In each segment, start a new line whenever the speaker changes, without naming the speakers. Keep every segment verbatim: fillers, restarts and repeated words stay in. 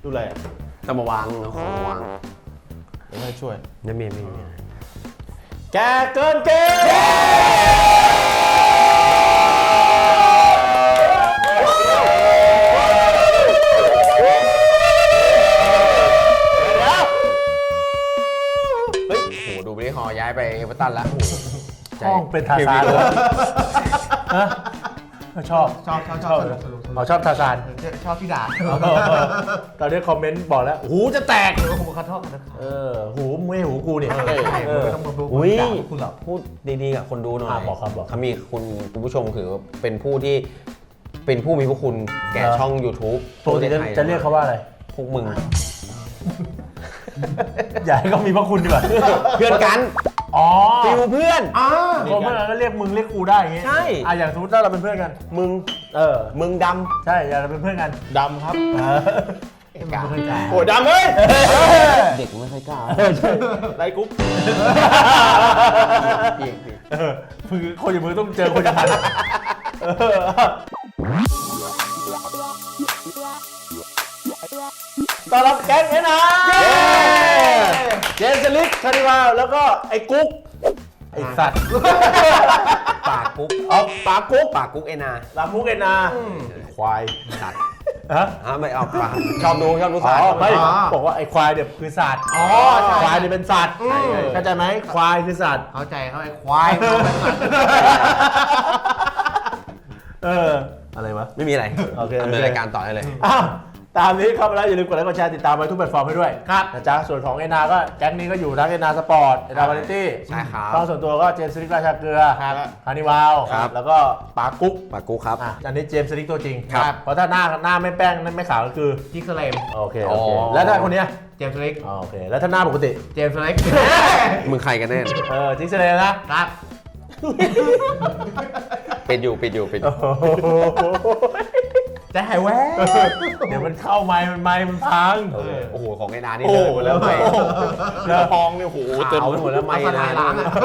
ดูอะไรอ่ะ
จะมาวางของมาวาง
เดี๋ยวให้ช่วย
ไม่มีไม่มี
แกเกินเกณฑ์
เฮ้ยโหดูบริฮอย้ายไปเอเวอร์ตันแล้ว
ห้องเป็นทาซานเลยฮะชอบ
ชอบชอบช
ช
อ
อ
บบ สนุกสนุก
เขาชอบทาซาน
ชอบที่ด่า
ตอนนี้คอมเมนต์บอกแล้วหูจะแตก
ผมขอโทษนะ
เออหูไม่หูกูเนี่ย
ใช่
เออ
ไม่ต้องมาพูด
อุ้ย
ด่าคุณหรอก
พูดดีๆกับคนดูหน่อย
อ่ะบอกครับบอก
เขามีคุณคุณผู้ชมคือเป็นผู้ที่เป็นผู้มีพระคุณแก่ช่อง YouTube
ปกติจะจะเรียกเขาว่าอะไร
พวกมึง
อยากให้เขามีพระคุณดีกว่า
เพื่อนกัน
อ๋อ
ฟิวเพื่อน
อ่า
คนเมื่อนั้นก็เรียกมึงเรียกกูได้อย่างงี้
ใช่
อ่ะอย่างสมมติถ้าเราเป็นเพื่อนกัน
มึง
เออ
มึงด
ใช่อยากเราเป็นเพื่อนกัน
ดำครับ
เออไม่เคยกล้า
โอ้ยดำเฮ้ย
ำเด็กไม่ค่อยกล้า
ไรกุ๊ก
เออคือคนอย่างมึงต้องเจอคนอย่างนั้นเออต้อนรับแก๊งเอ็นอาร์เจนสลิกคาริวาลแล้วก็ไอ้กุ๊กไอ้สัตว์
ปากกุ๊ก
อ๋อปากกุ๊ก
ปากกุ๊กเอ็นอา
ปากกุ๊กเอ็นอาร์ควาย
สัตว์
ฮะ
ฮะไม่เอาปากชอบดูชอบดู
อ๋
สัตว์
อไม่บอกว่าไอ้ควายเนี่ยคือสัตว์
อ๋อใช่
ควายเนี่ยเป็นสัตว์เข้าใจไหมควายคือสัตว์
เข้าใจเขาไอ้ควายเขาเป็นสัตว์
เอออะไรวะ
ไม่มีอะไร
โอเค
ดำเนินรายการต่อได้เลย
อ้าวตามนี้เข้ามาแล้วอย่าลืมกดไลค์กดแชร์ติดตามไปทุกแพลตฟอร์มให้ด้วยครับนะจ๊ะส่วนของเอ็นอาร์ก็แก๊งนี้ก็อยู่ทั้งเอ็นอาร์สปอร์ตเอ็นอาร์วาไรตี้
ใช่ครับ
ช่องส่วนตัวก็เจมส์สลิกราชาเกลือ
ครับ
ฮานิวาล
ครับ
แล้วก็ปากุ๊ก
ปากกุ๊กครับ
อ่ะอันนี้เจมส์สลิกตัวจริง
ครับ
เพราะถ้าหน้าหน้าไม่แป้งไม่ขาวก็คือ
จิกสเลม
โอเคโอเค
อ๋อ
แล้วถ้าคนเนี้ย
เจมส์เล็ก
อ๋อโอเคแล้วถ้าหน้าปกติ
เจมส์เล็ก
มึงใครกันแน่
เออจิกเซเลนะครับ
ปิดอยู่ปิดอยู่ปิดอยู่
โอ้โห
จะหายแวบ
เดี๋ยวมันเข้าไม้มันไม้มันพัง
เออโอ้โหของไอ้นานี่
โอ้
เลย
โห
หมดแล้ว
ไม่
แล้วทองเนี่ยโอ้โหเต็มไปหมดแล้วไม่
เอาส
นา
ลายล้างอ่ะ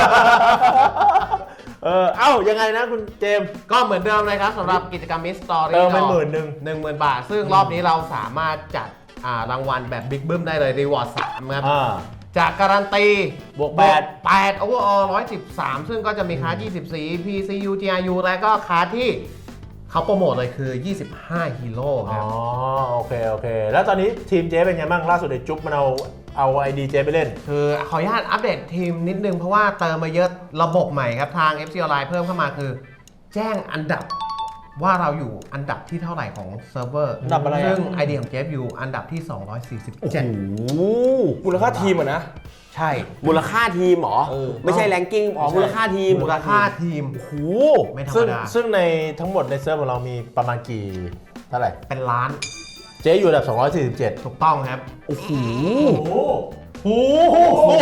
เออเอ้ายังไงนะคุณเจมส์
ก็เหมือนเดิมเลยครับสำหรับกิจกรรมมิสตอรี่
เติมไปหมื่นหนึ่ง
หนึ่งหมื่นบาท ซึ่งรอบนี้เราสามารถจัดอ่ารางวัลแบบบิ๊กบึ้มได้เลยรีวอร์ดสามครับ
อ่า
จากการันตี
บวกแปด
แปดโอเวอร์ออลร้อยสิบสามซึ่งก็จะมีคาร์ดยี่สิบสี่ พี ซี ยู จี อาร์ ยู และก็คาร์ดที่เขาโปรโมทเลยคือ ยี่สิบห้าฮีโร่ค
อ๋
รั
อบ โอเคโอเค แล้วตอนนี้ทีมเจ๊เป็นไงบ้างล่าสุดไอ้จุ๊บมันเอาเอาไอดีเจ๊ไปเล่น
คือขออนุญาตอัปเดตทีมนิดนึงเพราะว่าเติมมาเยอะระบบใหม่ครับ ทาง เอฟ ซี Online เพิ่มเข้ามาคือ แจ้งอันดับว่าเราอยู่อันดับที่เท่าไหร่ของเซิร์ฟเวอร์
อันดับอะไรอ่ะ
ซึ่ง ไอ ดี ของเจฟอยู่อันดับที่ สองร้อยสี่สิบเจ็ด
มูลค่าทีมอ่ะนะ
ใช่
มูลค่าทีมเหรอ
เออ
ไม่ใช่แรงกิ้งอ๋อมูลค่าทีม
มูลค่าทีม
โอ้โห
ไม่ธรรม
ซึ่ง
ดา
ซึ่งในทั้งหมดในเซิร์ฟของเรามีประมาณกี่เท่าไหร่
เป็นล้าน
เจ๊อยู่อันดับสองร้อยสี่สิบเจ็ด
ถูกต้องครับ
โอ้โหโอ้โห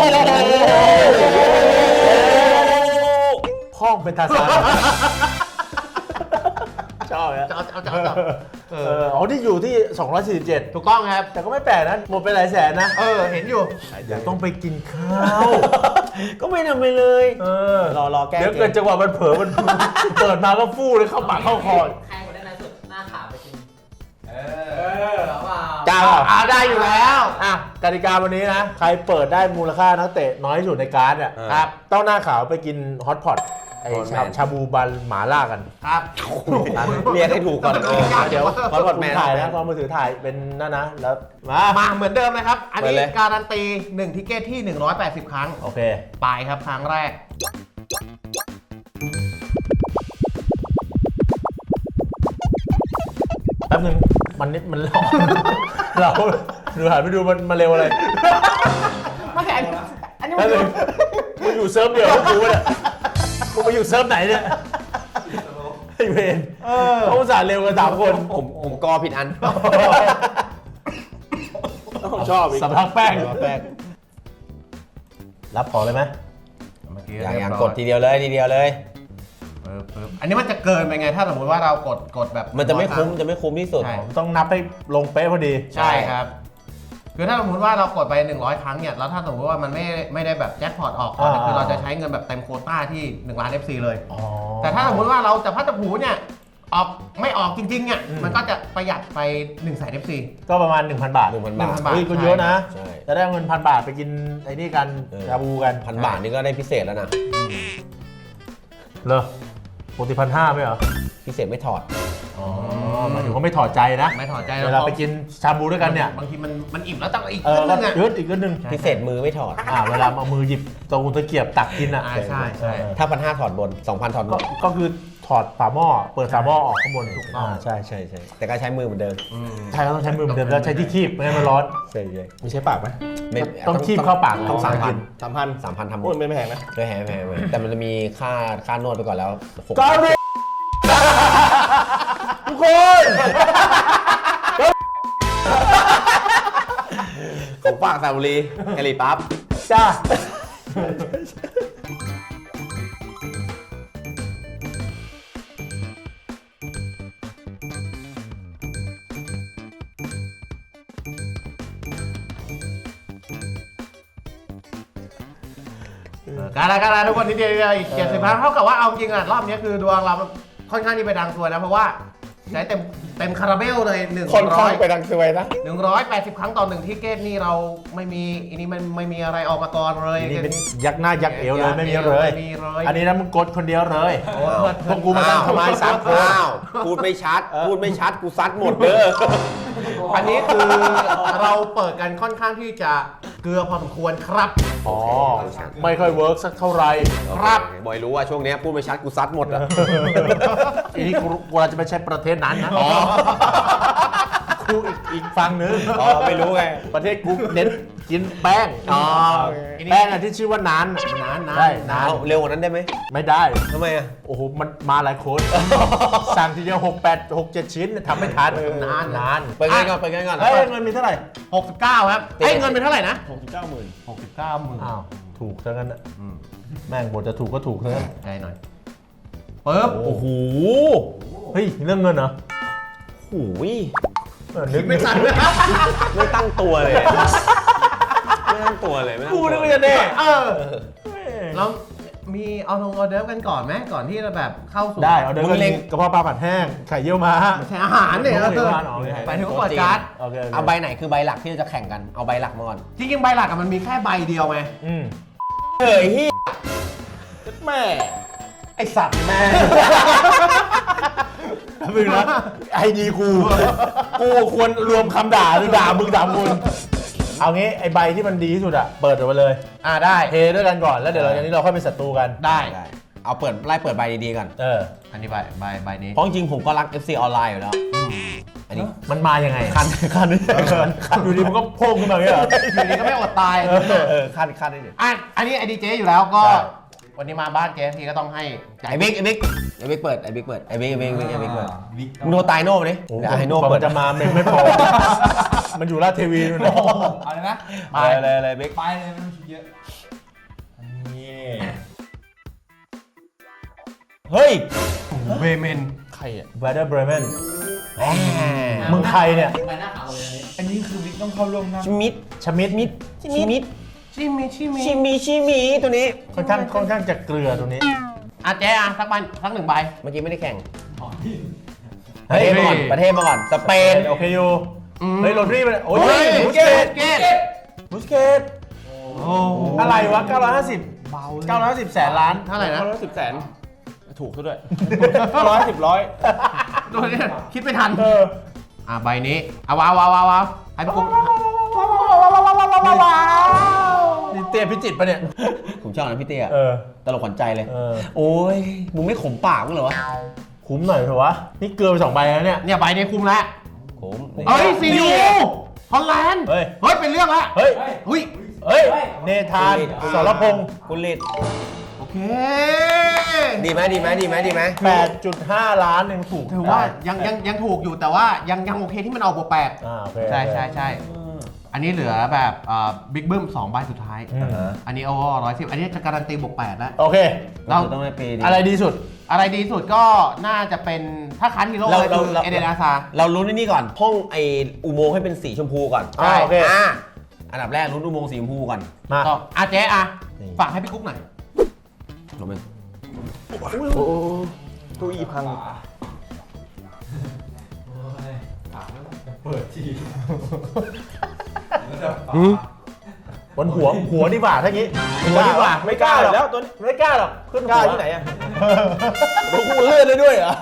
พ่องเป็นทาซานชอบอ่ะ
จะเอาจะเอาจะเอาจะเอา
เอออ๋อที่อยู่ที่สองร้อยสี่สิบเจ็ด
ถูกต้องครับ
แต่ก็ไม่แปลกนะหมดไปหลายแสนนะ
เออ เห็นอยู่
เดี๋ยวต้องไปกินข้าว
ก็ไม่ทำไปเลย
เออ
รอรอแก้
เดี๋ยวเกิดจังหวะมันเผลอมัน เปิดมาก็ฟู่เลยเข้าปากเข้าคอ
ใครคนได้นานสุดหน้าขาวไปจริง เออเอาเปล่า
จ้า
อ่าได้อยู่แล้ว
อ่ะกติกาวันนี้นะ ใครเปิดได้มูลค่านักเตะน้อยที่สุดในการ์ดอ่ะครับต้องหน้าขาวไปกินฮอตพอตไอชาชาบูบันหมาล่ากัน
ครับ
เรียกให้ถูกก่อนเออ
เดี๋ยว
ฮอตพอตแมน
ถ่ายนะพอมือถือถ่ายเป็นนั่นนะ แล้วมา
มาเหมือนเดิมนะครับ อัน
ไป
นี้
เลย
การันตีหนึ่งทิเกตที่ หนึ่งร้อยแปดสิบ ครั้ง
โอเค
ไปครับครั้งแรก
แป๊บนึงมันนิดมัน ร้อนเราดูหันไปดูมันมาเร็วอะไร
ไม่อันนี้อันนี้
แป๊บนึงมึงอยู่เซิร์ฟเดียวกับกูเนี่ยมึงมาอยู่เซิร์ฟไหนเนี่ยไอเวนเขาอุตส่าห์เร็วกันสามคน
ผมผมกอผิดอัน
ชอบอีก
สำลักแป้ง
สำลักแป้ง
รับของเลยไหม
เมื่อกี้
อย่างอย่าง
เรีบร้
กดทีเดียวเลยทีเดียวเลย
ปึ๊บปึ๊บอันนี้มันจะเกินไปไง ถ้าสมมติว่าเรากดกดแบบ
มันจะไม่คุ้มจะไม่คุ้มที่สุด
ใช่
ต้องนับให้ลงเป๊ะพอดี
ใช่ครับ คือถ้าสมมติว่าเรากดไปหนึ่งร้อยครั้งเนี่ยแล้วถ้าสมมติว่ามันไม่ไม่ได้แบบแจ็คพอตออกก่อนเนี่ย
อ่า
คือเราจะใช้เงินแบบเต็มโควต้าที่หนึ่งล้าน เอฟ ซี เลย
อ๋อ
แต่ถ้าสมมติว่าเราจะพัดจะผูเนี่ยออกไม่ออกจริงๆเนี่ย
อืม
มันก็จะประหยัดไป1นึ่งแสนเอฟซี
ก็ประมาณ หนึ่งพัน บาท
หนึ่งพันบาท
บาท
เฮ้ยก็เยอะนะ
ใช่
จะได้เงินพันบาทไปกินไอ้นี่กัน
เออ
ชาบูกัน
พันบาทนี่ก็ได้พิเศษแล้วนะ
เหรอปกติพันห้าไม่เหรอ
พิเศษไม่ถอด
อ๋อหมายถึงว่าไม่ถอดใจนะ
ไม่ถอดใจ
เวลาไปกินชาบูด้วยกันเนี่ย
บางทีมันมันอิ่มแล้วต้องอีก
เอ
นิ
อ
ด
ก็
นึงอ่ะ
ยืดอีกนิดนึง
พิเศษมือไม่ถอด
อ่าเวลาเอามือหยิบตะกุตะเกียบตักกินอ่ะ
อ่าใช่ใช่
เออ
ถ้าพันห้าถอดบนสองพันถอดบ
ก็
น
ก็คือถอดฝาหม้อเปิดฝาหม้อออกข้างบน
ถูกต้อง
าใช่ใช่ใช่
แต่ก็ใช้มือเหมือนเดิม
อืม
ใช่ก็ต้องใช้มือเหมือนเดิมแล้วใช้ที่คีบไม่งั้นมันร้อน
ใช่ใช่
มีใช้ปากไหม
ไม่
ต้องคีบเข้าปาก
ต้องสามพัน
สามพัน
สามพันทำหม
โอ้ย
ด
ไม่แพงนะ
ด้วยแฮแพงๆแต่มันจะมีค่าค่านวดไปก่อนแล้วหก
ก็เรียทุกคน
ของฝากสระบุรีแอลีปั๊บ
จ้า
การละการละทุกคนนิดเดียวอีกเจ็ดสิบพันเท่ากับว่าเอาจริงอ่ะรอบนี้คือดวงเราค่อนข้างที่ไปดังตัวนะเพราะว่าใช้เต็มเต็มคาราเบลเลยหนึ่ง
ค่อน
ร้
ข้า
อง ย
ไปดังสวยนะ
หนึ่งร้อยแปดสิบครั้งต่อหนึ่งที่เกตนี่เราไม่มีอันนี้มันไม่มีอะไรออกมาก่อนเลย
นี่เป็นยักหน้ายักเอวเลยไม่มีเลย
ไม่มีเลย
อันนี้นะมึงกดคนเดียวเลย
โอ้เพื่อน
พวกกูมาตั้งทำไมสามคน
อ้าวพูดไม่ชัด พูดไม่ชัดกูซัดหมดเด้อ
อันนี้คือเราเปิดกันค่อนข้างที่จะเกลือพอสมควรครับ
อ๋อไม่ค่อยเวิร์กสักเท่าไหร่
ครับ
บอยรู้ว่าช่วงนี้พูดไม่ชัดกูซัดหมดอ่ะ
อันนี้กูกูเราจะไม่ใช่ประเทศนั้นนะกูอีกอีกฝั่งนึง
อ๋อไม่รู้ไง
ประเทศกูเน้นกินแป้ง
อ๋อ
แป้งอันที่ชื่อว่านาน
นานนาน
ได้นาน
เอาเร็วกว่านั้นได้ไหม
ไม่ได้
ทำไมอ่ะ
โอ้โหมันมาหลายคน สั่งทีเดียวหกแปดหกเจ็ดชิ้นทำไม่ทันนานนาน
ไปกันก่อนไปกันก่อน
เฮ้ยเงินมีเท่าไหร่
หกสิบเก้าครับเอ้ยเงินเป็นเท่าไหร่นะ
หกสิบเก้าหมื่น
หกสิบเก้าหมื่น
อ้าวถูกซะงั้นน่ะแม่งบทจะถูกก็ถูกซะงั้น
ใจหน่อยปึ๊บ
โอ้โหเฮ้ยเรื่องเงินเหรอ
หูย
เออนึก
ไม่ทันเลย
ไม่ตั้งตัวเลย ไม่ตั้งตัวเลยไม่ตั้ง
กู
ตัว
นึกว่าจะแน่
เออแล้วมีเอาลงออเดิร์ฟกันก่อนไหมก่อนที่จะแบบเข้าสู่
ได้เอาเดินกันกระเพาะปลาผัดแห้งไข่เยี่ยวม้า
ใช้อาหารเนี่ย
ไม่
เอ
ใช่
อ
อาหารอ๋อไม่ใช่
ไปถึงว่าเปิดการ์ด
โอเคโอเค
เอาใบไหนคือใบหลักที่เราจะแข่งกัน เอาใบหลักมาก่อน
จริงๆใบหลักอะมันมีแค่ใบเดียวไง
อืม
เฮ้ยเฮีย
แม่
ไอสัตว์แม่
มึงนะไอดีกูกูควรรวมคำด่าหรือด่ามึงด่ามึงเอางี้ไอใบที่มันดีที่สุดอะเปิดออกมาเลย
อ่าได้
เทด้วยกันก่อนแล้วเดี๋ยวหลังจากนี้เราค่อยเป็นศัตรูกัน
ได้
ได้เอาเปิดไล่เปิดใบดีๆก่อน
เออ
อันนี้ใบใบใบนี้
เพราะจริงๆผมก็รัก เอฟ ซี ออนไลน์อยู่แล้ว อันนี้
มันมายังไง
คันคัน
คันอยู่ดีมันก็โพ่งขึ้นมาอย่างเงี้ยเหรอ
อยู่ดีก็ไม่อดตาย
เออ
เออคันคันได้ดิ
อ่ะอันนี้ไอดีเจอยู่แล้วก็
ใช่
วันนี้มาบ้านเจทีก็ต้องให้จ่าย
ไอ้บิ๊กไอ้บิ๊กไอ้บิ๊กเปิดไอ้บิ๊กเปิดไอ้บิ๊กไอ้บิ๊กไอ้บิ๊กไอ้บิ๊กเปิดมึงโทรตายโน่มาดิ
โอ้โห
เดี๋ยวให้โน่
กว่า
เปิ
มั
ด
นจะมาเมงไม่พอ มันอยู่ราชเทวีนู่นนะ
เอาเลยนะ
ไปเลยเลยบิ๊ก
ไปเลยไม่ต้องคิดเยอะ
นี่
เฮ้ย
เวเมน
ใครอ่ะ
แวดเดอร์เบรเมนมึงใครเนี่ย
ไปหน้าขาวเลย
อันนี้คือวิกต้องเข้าร่วมนะ
ชิมิด
ชมิดมิด
ชิมิด
ชิมิชิมิ
ชิมิชิมิตัวนี้
ค่อนข้างค่อนข้างจะเกลือตรงนี้
อ่ะเจ๊อ่ะสักใบสักหนึ่งใบ
เมื่อกี้ไม่ได้แข่ง
เฮ้
ประ
ย
เทศมาก่อนประเทศมาก่อนสเปน
โอเคอยู่
อืม
เฮ้ยโรดรีมันโอ้ย
เฮ้ย
บุสเกต
เกต
บุสเกต
โอ้โห
อะไรวะเก้าร้อยห้าสิบเก้าร้อยห้าสิบแสนล้าน
เท่าไหร่นะ
เก้าร้อยสิบแสนถูกซะด้วยร้อยสิบร้อย
ตัวนี้คิดไม่ทัน
เออ
อ่ะใบนี้เอาว้าวว้าวว้าวว้าวให้พี่กุ๊ก
นี่เตี้ยพิจิตรปะเนี่ย
ผมชอบนะพี่เตี้ย
เออ
ตลกขวัญใจเลย
เออ
โอ้ยมึงไม่ขมปากมึงเหรอวะ
คุ้มหน่อยเถอะวะ นี่เกลือไปสองใบแล้วเนี่ย
เนี่ยใบนี้คุ้มแล้ว
ขม
เอ้ยซียูฮอลแลนด์
เฮ้ย
เฮ้ยเป็นเรื่องละ
เฮ้ย
อุ้ย
เฮ้ย เนธานสรพงศ์
คุณลิด
โอเค
ดีไหมดีไหมดีไหมดีไหม
แปดจุดห้าล้านเองถูก
ถือว่ายังยังยังถูกอยู่แต่ว่ายังยังโอเคที่มันเอาบวกแปด
อ่าโอเค
ใช่ใช่ใช่อันนี้เหลือแบบบิ๊กบึ้มสองใบสุดท้าย
อืม
อันนี้โอ้ร้อยสิบอันนี้จะการันตีบวกแปดแล้ว
โอเค
เรา
ต้องได้ปีดี
อะไรดีสุด
อะไรดีสุดก็น่าจะเป็นถ้าคันฮีโร่
เรา
เลยคือ
เรา
เอเดนอาซา
เราลุ้นไอ้นี่ก่อนห้องไออุโมงค์ให้เป็นสีชมพูก่อน
อ่าโอเค
อ่าอันดับแรกลุ้นอุโมงค์สีชมพูก่อน
มา
ก็อาเจ๊อะ
นี่
ฝากให้พี่กุ๊กหน่อย
ลงไป
ตู้อีพัง
เปิดที
บนหัวหัวดีกว่าถ้างี้หัวดีกว่าไม่กล้าหรอก
แล้วตัวนี้
ไม่กล้าหรอกขึ้น
กล้า
หัว
ที่ไหนอ่ะรู้กูเลื่อนเลยด้วยเหรอ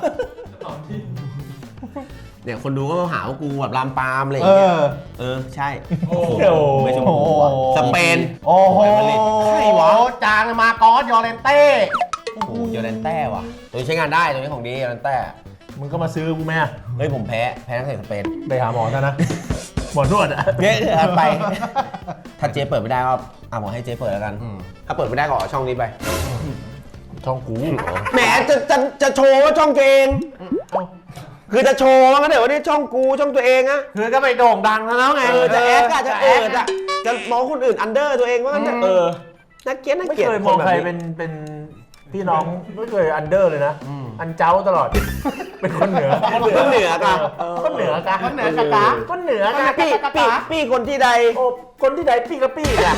เนี่ยคนดูก็หาว่ากูแบบลามปามอะไรอย่า
เอง
เงี้ย
อ
เออใช่
โอ้โห
ไม่ชมพูอะสเปน
โอ้โห
ใครวะ
จางมากอสยอร์เรนเต้
โอ้โหโยเลนแต้ว่ะตัวนี้ใช้งานได้ตัวนี้ของดีโยเลนแต้
มึงก็มาซื้อกูไหมอะ
เฮ้ยผมแพ้แพ้นักเตะสเปน
ไปหาหมอซะนะ หมอนวดอะ
เนี่ยเอาไป ถ้าเจ๊เปิดไม่ได้ก็อ่ะบอกให้เจ๊เปิดแล้วกัน
อืม
ถ้าเปิดไม่ได้ก็ออกช่องนี้ไป
ช่องกู
แหมจะจะจะโชว์ว่าช่องตัวเอง คือจะโชว์ว่างั้นเดี๋ยววันนี้ช่องกูช่องตัวเองอะ
คือก็ไปโด่งดังแล้วไง
เออจะแอดอะจะเอิดอะจะมองคนอื่นอันเดอร์ตัวเองว่างั้นเถอะ
เออ
นักเกลียดนัก
ไม่
เกลียด
เคยมองใครเป็นเป็นพี่น้องไม่เคยอันเดอร์เลยนะ อันเจ้าตลอด เป็นคนเหนือ
คนเหนือกะ
คนเหนือกะ
คนเหนือกะกะ
คนเหนือกะ
พี่พี่พี่คนที่ใด
โอ้คนที่ใดพี่กับพี่เนี่ย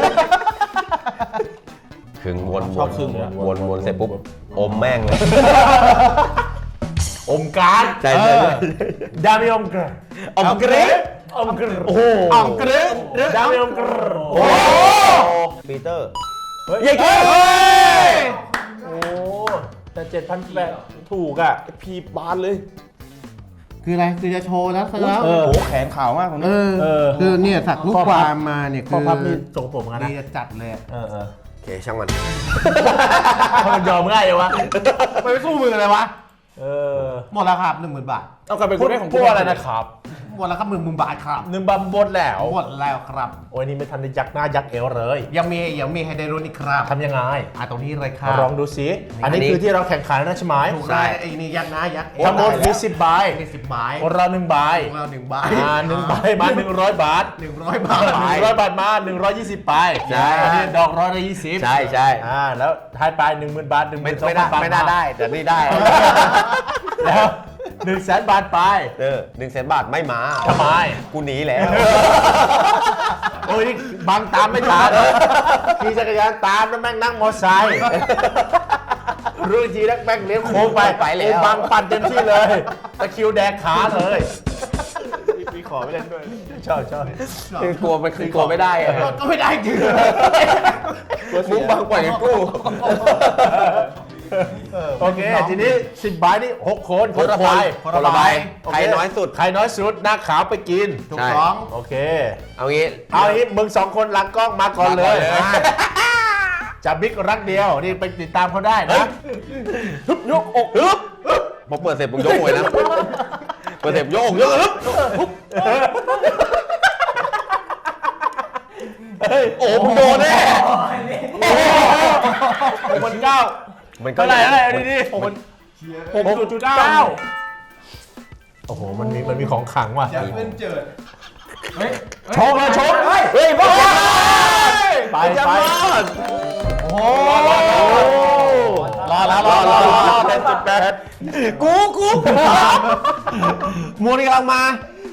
ครึ่งวน
ชอบครึ่ง
วนวนเสร็จปุ๊บอมแม่งเลย
อมการ์ด
ใช่ใช่ใช่
ดามิอมกร
อมเกรด
อมกร
โอ้โห
อ่องกรึ๊ด
ดามิอมกร
โอ้ปีเตอร์
เฮ้ย
เย้เก้
โอ้แต่เจ็ดพันแปดถูกอ่ะ
พีบานเลย
คืออะไรคือจะโชว์แล้วซะแล้ว
เออ
โอ้โหแขนขาวมากตรง
เอ
นี้
อ
เออ
คือเนี่ยสักลูกความมาเนี่ย
ข้
คือ อ
พับนี่สกปรกเหมือนกันนะ
นี่จะจัดเลยอะ
เออเออ
โอเคช่างมัน
ถ้ามันยอมง่ายเลยวะ
ไม่ไปสู้มือเลยวะ
เออ
หมดแล้วครับหนึ่งหมื่นบาท
เอากลับไป
พู
กู
ด
ได้ของ
พูดอะไรนะครับ
หมดแล้วครับหนึ่งหมื่นบาทครับ
หนึ่งบัมบดแล้ว
หมดแล้วครับ
โอ้ยนี่ไม่ทันได้ยักหน้ายักเอวเลย
ยังมียังมีให้ได้รุ่นอีกครับ
ทำยังไง
อ่ะตรงนี้เลยครับ
ลองดูสิอันนี้คือที่เราแข่งขันนะใช่ไหม
ถูกได้ไอ้นี่ยักษ์นะยักษ์
ทั้งหมดมีสิบใบ
มีสิบใบ
คนเราหนึ่งใบ
ของเราหนึ่งใบ
อ่าหนึ่งใบมาหนึ่งร้อยบาท
หนึ่งร้อยบาท
หนึ่งร้อยบาทมาหนึ่งร้อยยี่สิบใบ
ใช่
อันนี้ดอกร้อยละยี่สิบ
ใช่ใช่
อ่าแล้วท้ายปลายหนึ่งหมื่นบาทหนึ่งห
ไม่
มื่นสอง
ไม่
พั
ได้
นบาท
ไม่น่าได้แต่นี่ได้
แล้วหนึ่งแสนบาทไป
เออหนึ่งแสนบาทไม่มา
ทำไม
กูหนีแล้ว
โอ้ยนี่บังตามไม่ทันขี่จักรยานตามแล้วแม่งนั่งมอไซค์รู้อีกทีแล้วแม่งเลี้ยวโค้งไป
ไปแล้ว
โอ้บังปั่นเต็มที่เลยตะคริวแดกขาเลย
มีขอไปเล่นด้วย
ชอบชอบ
คือกลัวมันคือกลัวไม่ได้อะ
ก็ไม่ได้จริง
มุกบางกว่าอย่างกู้
โอเค ทีนี้สิบใบนี่หกคน
คนละใบ
คนละใบ
ใครน้อยสุด
ใครน้อยสุดหน้าขาวไปกิน
ถูกต้อง
โอเค
เอางี้
เอาอย่างนี้มึงสองคนหลังกล้องมาก่อนเลย
มาก่อนเลย
อ่ะจะบิ๊กรักเดียว นี่ไปติดตามเขาได้นะ
ฮึบยกอกฮึบพอเปิดเสร็จผมยกเลยนะเปิดเสร็จยกอกยกฮึบโอ้มึงโดนแน่
หกพันเก้า
มันก็
เท่าไหร่เท่าไหร่ดีดี
หกพัน
หกจุดเก้าโอ้โห มันมีมันมีของขลังว่ะ
จะเป็นเจิด
ชกเลยชก
เฮ้ยพ่อ
ไป
จะ
ไป
รอด
โอ้โห
รอแล้วรอรอรอเป็นจุดแปด
กูกูมูนี่กำลังมา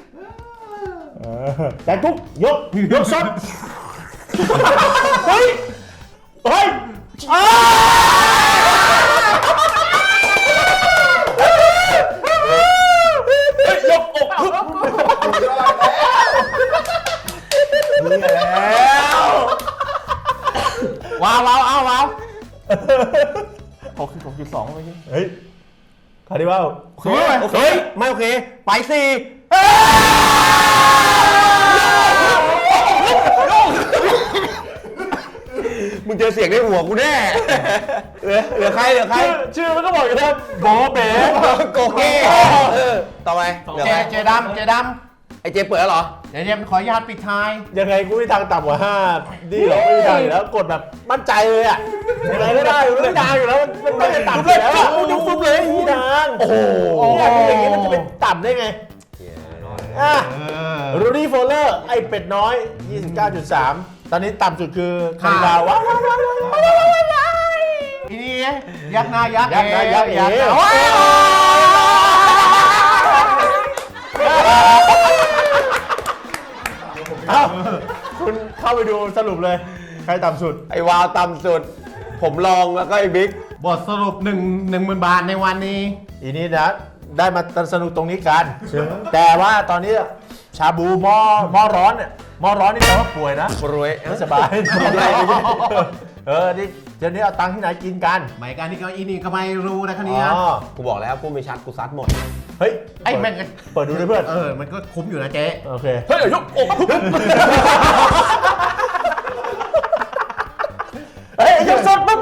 แต่กุ๊กยกยกซ้ำเฮ้ยเฮ้ยยกอกฮึบแล้วว้าวว้าวเอาว้าว
หกสิบหกจุดสองเมื่อกี้
เฮ้ยคาร์ดิวัล
โอเคโอเคไม่โอเคไปสี่มึงเจอเสียงในหัวกูแน่เหลือเหลือใครเหลือใคร
ชื่อชื่อมันก็บอกอยู่แล้วโบเบ๋
โกเก้เออต่อไปเหลือ
เจ
ใคร
เจดำเจด
ไอเจเปิดแล้วเหรอ
ำเดี๋ยวเดี๋ยวขออนุญาตปิดท้าย
ยังไงกูไม่ทางต่ำกว่าห้าดีหรอกไม่มีทางอยู่แล้วกดแบบมั่นใจเลยอ่ะยังไงก็ได้อยู่แล้วไม่ทางอยู่แล้วมันไม่ได้ต่ำอยู่แล้วอ่ะกูฟุบเลยไม่มีทางโอ้โหอย่างนี้มันจะเป็นต่ำได้ไงอ่ะรูดี้โฟลเลอร์ไอเป็ดน้อย ยี่สิบเก้าจุดสาม ตอนนี้ต่ำสุดคือคาริบาวว้าวว้าวว้าวว้าวว้าว
ทีนี้ยักษ์หน้ายักษ์
ยักษ์หน้ายักษ์
ยักษ์หน้า
เอ๋
โอ้ย
เอ้าคุณเข้าไปดูสรุปเลย ใครต่ำสุด
ไอวาวต่ำสุด ผมลองแล้วก็ไอบิ๊ก
บทสรุปหนึ่งหนึ่งหมื่นบาทในวันนี้
อีนี้นะได้มาสนุกตรงนี้กันแต่ว่าตอนนี้ชาบูหม้อหม้อร้อนเนี่ยหม้อร้อนนี่แปลว่าป่วยนะ
รวย
ไม่สบายเออนี่เดี๋ยวนี้เอาตังค์ที่ไหนกินกัน
หมายการที่เก้าอี้นี่ก็ไม่รู้นะคันนี้
อ๋อ
กูบอกแล้วกูไม่ชัดกูซัดหมด
เฮ้ย
ไอ้แม่ง
เปิดดูด้วยเพื่อน
เออมันก็คุ้มอยู่นะเจ๊
โอเค
เฮ้ยเดี๋ยวยกอก
เฮ้ยยกสดปุ๊บ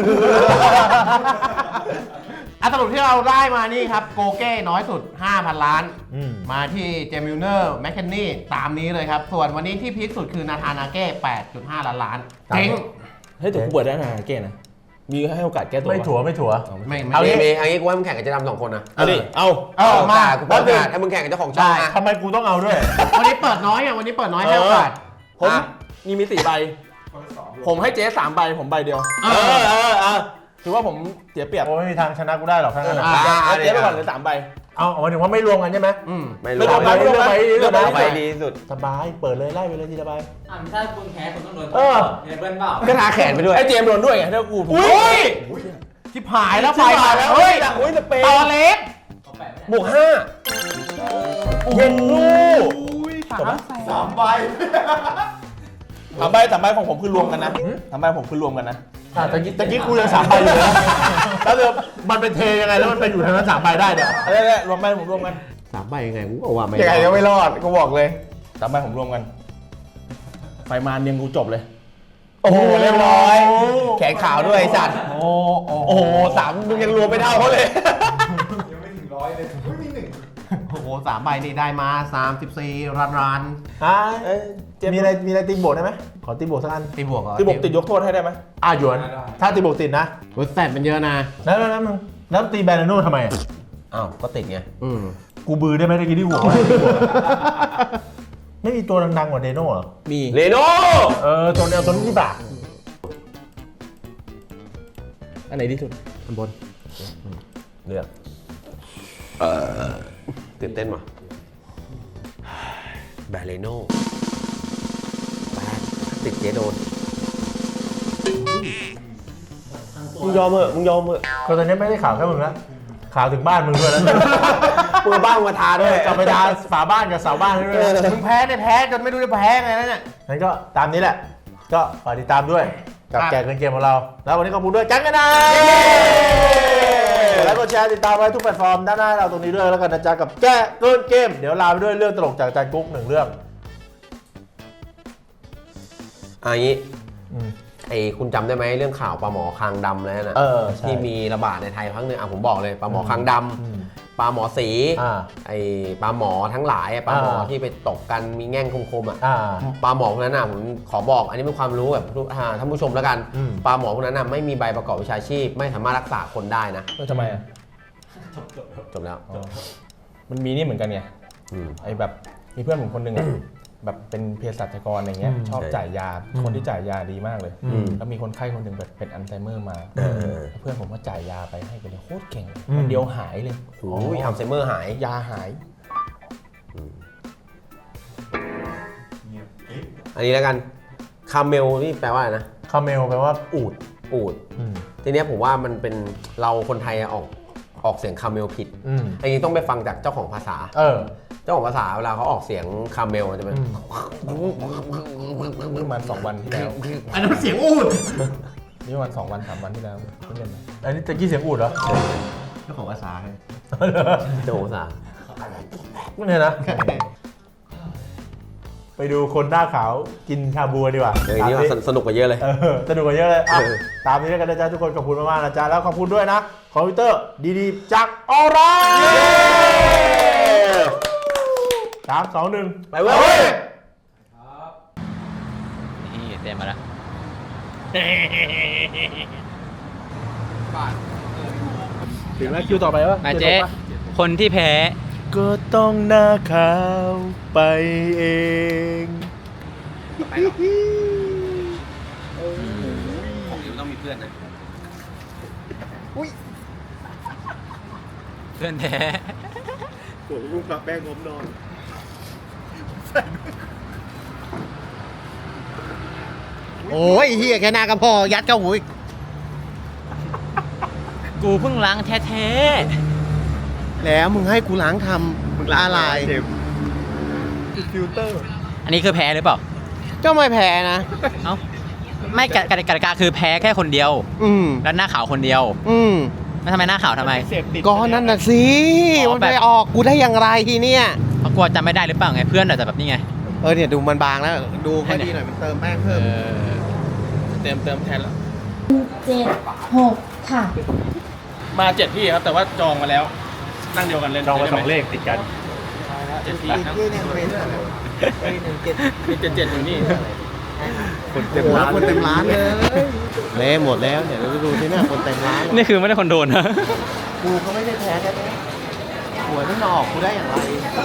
อ่ะสรุปที่เราได้มานี่ครับโกเก้น้อยสุด ห้าพัน ล้าน
อืม
มาที่เจมิลเนอร์แมคเคนนี่ตามนี้เลยครับ ส่วนวันนี้ที่พีคสุดคือนาธานาเก้ แปดจุดห้า ล้านล้านเจ๊ง
เฮ้ยแต่กูเปิดได้นะเก้นะมีให้โอกาสแก้ตัว
ไม่ถั่วไม่ถั่ว
ไม่ไม่
เอา
ได้
งี้เอางี้กูให้มึงแข่งกับเจ๊ดำสองคนนะ
เอาดิเอา
เออมา
กูเปิดโอกาสให้มึงแข่งกับเจ้าของช่องนะ
ทำไมกูต้องเอาด้วย
วันนี้เปิดน้อยอ่ะวันนี้เปิดน้อยให้โอกาส
ผม
อ่ะ
นี่มีสี่ใบ ผมให้เจ๊สามใบผมใบเดียว
เออ
เออเออถือว่าผมเสียเปรียบ
โอ้ไม่มีทางชนะกูได้หรอกทั้งนั้นอะ
อ่ะ
เอาเจ๊ไปก่อนเลยสามใบ
เอาเอาหมายถึงว่าไม่รวมกันใช่ไหม
อืม
ไม่
เลื
รู้
อกใบเลือกใบเลือกใบ
เอาไปดีสุด
สบาย เปิดเลยไล่ไปเลยทีละใบ
อ่ะถ้าคุณแพ้คุณต้องโดน
เออ
เนเบิลเปล่า
ก็ทาแขนไปด้วย
ไอ้เจมส์โดนด้วยไงถ้ากูผม
อุ้ยชิบหายแล้วไฟมาแล้ว
เฮ้
เฮ้
ย
ย
อุ้ยสเปน
ต่อเล็ก
เขาแปะไม่ได้
บวกห้า
เย็นลูก
สามสามใบ
สามใบสามใบของผมคือรวมกันนะสามใบผมคือรวมกันนะ
อ่ะตะกี้ตะกี้กูยังสามใบอยู่นะแล้วเดี๋ยวมันเป็นเทยังไงแล้วมันไปอยู่ทางนั้นสามใบได้เนี่ย
อะไรเนี่ยรวมใบผมรวมกัน
สามใบยังไงกูบอกว่าไม่
ยังไงก็ไม่รอดกูบอกเลย
สามใบผมรวมกัน ไฟมาเนียงกูจบเลย
โอ้โหเรียบร้อย แขนขาวด้วยไอ้สัตว์
โอ้โอ้
โอ้โหสามมึงยังรวมไม่เท่าเขาเลย
โอ้โหสามใบนี่ได้มาสามสิบสี่รันรัน
อ่ะ
เอ้ยเจมส์
มีอะไรมีอะไรตีโบกได้ไหมขอตีโบกสักอัน
ตีบวกเหรอ
ที่บอกติดยกโทษให้ได้ไหม
อ่ะหยวน ถ้าตีโบกติดนะ
รถแซดมันเยอะนะ
แล้วแล้วแล้วมึงแล้วตีแบรนด์โน่ทำไมอ่ะ
อ้าว ก็ติดไง
อืม
กูบือได้ไหมตะกี้ที่หัว ไม่มีตัวดังๆกว่าเดโน่เหรอ
มี
เรโน่
เออตัวเดียวตัวนี้ที่บาท
อันไหนที่สุด
อันบน
เลือกตื่นเต้นว่ะแบรเรโน่แบรติดเจโดนมึงยอมเหอะมึงยอมเหอะ
ก็ตอนนี้ไม่ได้ข่าวแค่มึงนะข่าวถึงบ้านมึงด้วยนะ
มือบ้างมาทาด้วย
กลับไปดาฝาบ้านกับเสาบ้านให้ด้วยนะ
มึงแพ้ได้แพ้จนไม่รู้จะแพ้ไงแล้วเนี่ย
งั้นก็ตามนี้แหละ ก็ฝากติดตามด้วย กับ
ครับ
แจกเงินเกมของเรา แล้ววันนี้ขอบคุณด้วยจังกันนะแล้วก็แชร์ติดตามไว้ทุกแพลตฟอร์มด้านหน้าเราตรงนี้ด้วยแล้วกันนะจ๊ะกับแก้เกินเกม เดี๋ยวลาไปด้วยเรื่องตลกจากอาจารย์กุ๊กหนึ่งเรื่อง
อ่ะงี้
อืม
ไอ้คุณจำได้ไหมเรื่องข่าวปลาหมอคางดำแล้วนะ
เออใช่
ที่มีระบาดในไทยพักหนึ่งอ่ะผมบอกเลยปลาหมอคางด
อืม
ำปลาหมอสี
อ่า
ไอ้ปลาหมอทั้งหลายอ่ะปลาหมอ
อ่า
ที่ไปตกกันมีแง่งคมๆอ่ะ
อ่า
ปลาหมอพวกนั้นน่ะผมขอบอกอันนี้เป็นความรู้แบบทุกอ่าท่านผู้ชมแล้วกัน
อืม
ปลาหมอพวกนั้นน่ะไม่มีใบประกอบวิชาชีพ ไม่สามารถรักษาคนได้นะ
แล้วทำไมอ่ะ
จบแล้ว
มันมีนี่เหมือนกันไง
อืม
ไอ้แบบมีเพื่อนผมคนหนึ่งอะแบบเป็นเภสัชกรอะไรเงี้ย
อืม
ชอบ
ใช่
จ่ายยา คนที่จ่ายยาดีมากเลย
อืม
แล้วมีคนไข้คนหนึ่งแบบเป็นอัลไซเมอร์มา
เออ
แล้วเพื่อนผมก็จ่ายยาไปให้ไปเลยโคตรเก่ง
อืม
วันเดียวหายเลย
โอ้ยอัลไซเมอร์หาย
ยาหาย
อันนี้แล้วกันคาเมลนี่แปลว่าอะไรนะ
คาเมลแปลว่าอูด
อูด
อืม
ทีเนี้ยผมว่ามันเป็นเราคนไทยอะออกออกเสียงคาเมลผิด
อืม
อันนี้ต้องไปฟังจากเจ้าของภาษา
เออ
เจ้าของภาษาเวลาเขาออกเสียงคาเมลจะเป็น
อืม
ประมาณสองวันที่แล้ว
อันนั้นเสียงอูด
นี่ประมาณสองวันสามวันที่แล้วเพิ่งเล่นมา
อันนี้ตะกี้เสียงอูดเหรอ
เจ้าของภาษาให้
เจ้าของภาษา
ไม่เนี่ยนะ ไปดูคนหน้าขาวกินชาบูดีกว่า
เดี๋ยวอันนี้
ตาม
ว่าสนุกกว่าเยอะเลย
เออสนุกกว่าเยอะเลยอ่ะ
เออ
ตามนี้แล้วกันนะจ๊ะทุกคนขอบคุณมากๆนะจ๊ะแล้วขอบคุณด้วยนะคอมพิวเตอร์ดีๆจากออร่าสามสองหนึ่ง
ไปเว้ย
นี่เต็มมาแล้ว
ถึงแล้วคิวต่อไปวะ
มาเจ๊คนที่แพ้
ก็ต้องหน้าขาวไปเอง
ต้องมีเพื่อนนะ
เพื่อนแพ้
ผมลูกปลาแป้งผมนอน
โอ้ยเฮียแค่หน้าก็พอยัดเข้าหูอีก
กูเพิ่งล้างแท้
แล้วมึงให้กูล้างทำมึงละอะไร
อันนี้คือแพ้หรือเปล่า
ก็ไม่แพ้นะ
เอ้า ไม่กติกติกาคือแพ้แค่คนเดียว
อืม
แล้วหน้าขาวคนเดียว
อืม
แล้วทำไมหน้าขาวทำไม
ก็นั่นน่ะสิ
อ๋อ
มัน
แบบ
ไปออกกูได้อย่างไรทีเนี่ย
เพราะกลัวจำไม่ได้หรือเปล่าไงเพื่อนอาจจะแบบนี้ไง
เออเนี่ยดูมันบางแล้ว ดูค่อยดีหน่อยมันเติมแป้งเพิ่ม
เติมเติมแทนแล้ว
เจ็ดหกค่ะ
มาเจ็ดที่ครับ แต่ว่าจองมาแล้ว นั่งเดียวกันเล่น
จองมา
ได้
ส
ไห
องเลขติดกัน
เจ็ดที่ครับมีเจ็ดเจ็ดอยู่นี่
คนเต็ม
โอ้โห
ร้าน
คนเต็มร้านเลยเละหมดแล้วเนี่ยดูดูที่หน้าคนเต็มร้านเลย
นี่คือไม่ได้คนโดนนะ
กูก็ไม่ได้แพ้แท้ๆหัวยไม่มาออกกูได้อย่างไร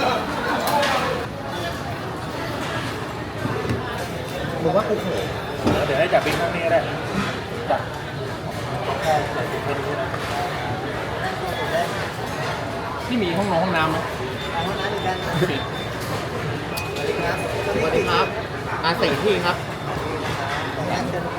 มึงว่ากูเขย
เดี๋ยวให้จับบินข้างนี้ก็ได้จับ
ที่มีห้องน้องห้องน้ำไหม
สวัสดีครับมาสี่ที่ครับ